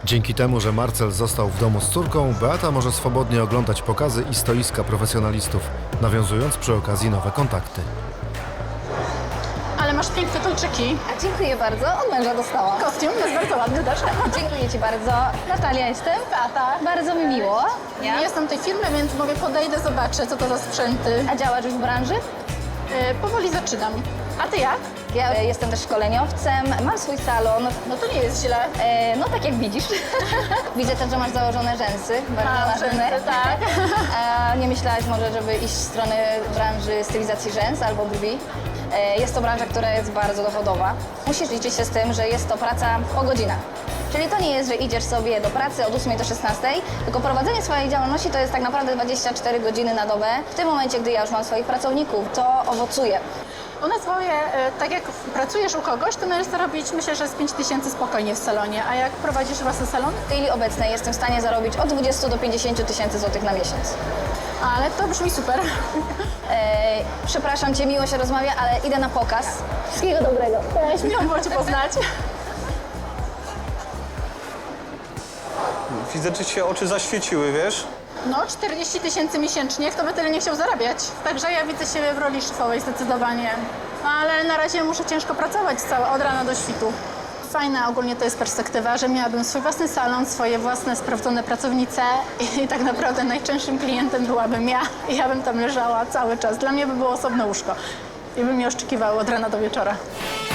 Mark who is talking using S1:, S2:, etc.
S1: Dzięki temu, że Marcel został w domu z córką, Beata może swobodnie oglądać pokazy i stoiska profesjonalistów, nawiązując przy okazji nowe kontakty.
S2: Ale masz piękne kolczyki.
S3: A dziękuję bardzo, od męża dostałam.
S2: Kostium jest bardzo ładny też.
S3: Dziękuję Ci bardzo. Natalia jestem.
S2: Beata.
S3: Bardzo mi miło.
S2: Nie jestem tej firmy, więc mówię, podejdę, zobaczę, co to za sprzęty.
S3: A działasz już w branży?
S2: Powoli zaczynam. A ty jak?
S3: Ja jestem też szkoleniowcem, mam swój salon.
S2: No to nie jest źle.
S3: No tak jak widzisz. Widzę też, że masz założone rzęsy, bardzo ważne.
S2: rzęsy, tak.
S3: A nie myślałaś może, żeby iść w stronę branży stylizacji rzęs albo brwi? Jest to branża, która jest bardzo dochodowa. Musisz liczyć się z tym, że jest to praca po godzinach. Czyli to nie jest, że idziesz sobie do pracy od 8 do 16, tylko prowadzenie swojej działalności to jest tak naprawdę 24 godziny na dobę. W tym momencie, gdy ja już mam swoich pracowników, to owocuje.
S2: U nas swoje, tak jak pracujesz u kogoś, to możesz zarobić, myślę, że z 5 000 spokojnie w salonie. A jak prowadzisz własny salon?
S3: W chwili obecnej jestem w stanie zarobić od 20 do 50 tysięcy złotych na miesiąc.
S2: Ale to brzmi super.
S3: Przepraszam Cię, miło się rozmawia, ale idę na pokaz. Wszystkiego dobrego.
S2: Cześć, miło było Cię poznać.
S4: Widzę, że ci się oczy zaświeciły, wiesz?
S2: No, 40 000 miesięcznie, kto by tyle nie chciał zarabiać. Także ja widzę siebie w roli szefowej zdecydowanie. Ale na razie muszę ciężko pracować od rana do świtu. Fajna ogólnie to jest perspektywa, że miałabym swój własny salon, swoje własne sprawdzone pracownice i tak naprawdę najczęstszym klientem byłabym ja. I ja bym tam leżała cały czas. Dla mnie by było osobne łóżko i by mnie oszczękiwały od rana do wieczora.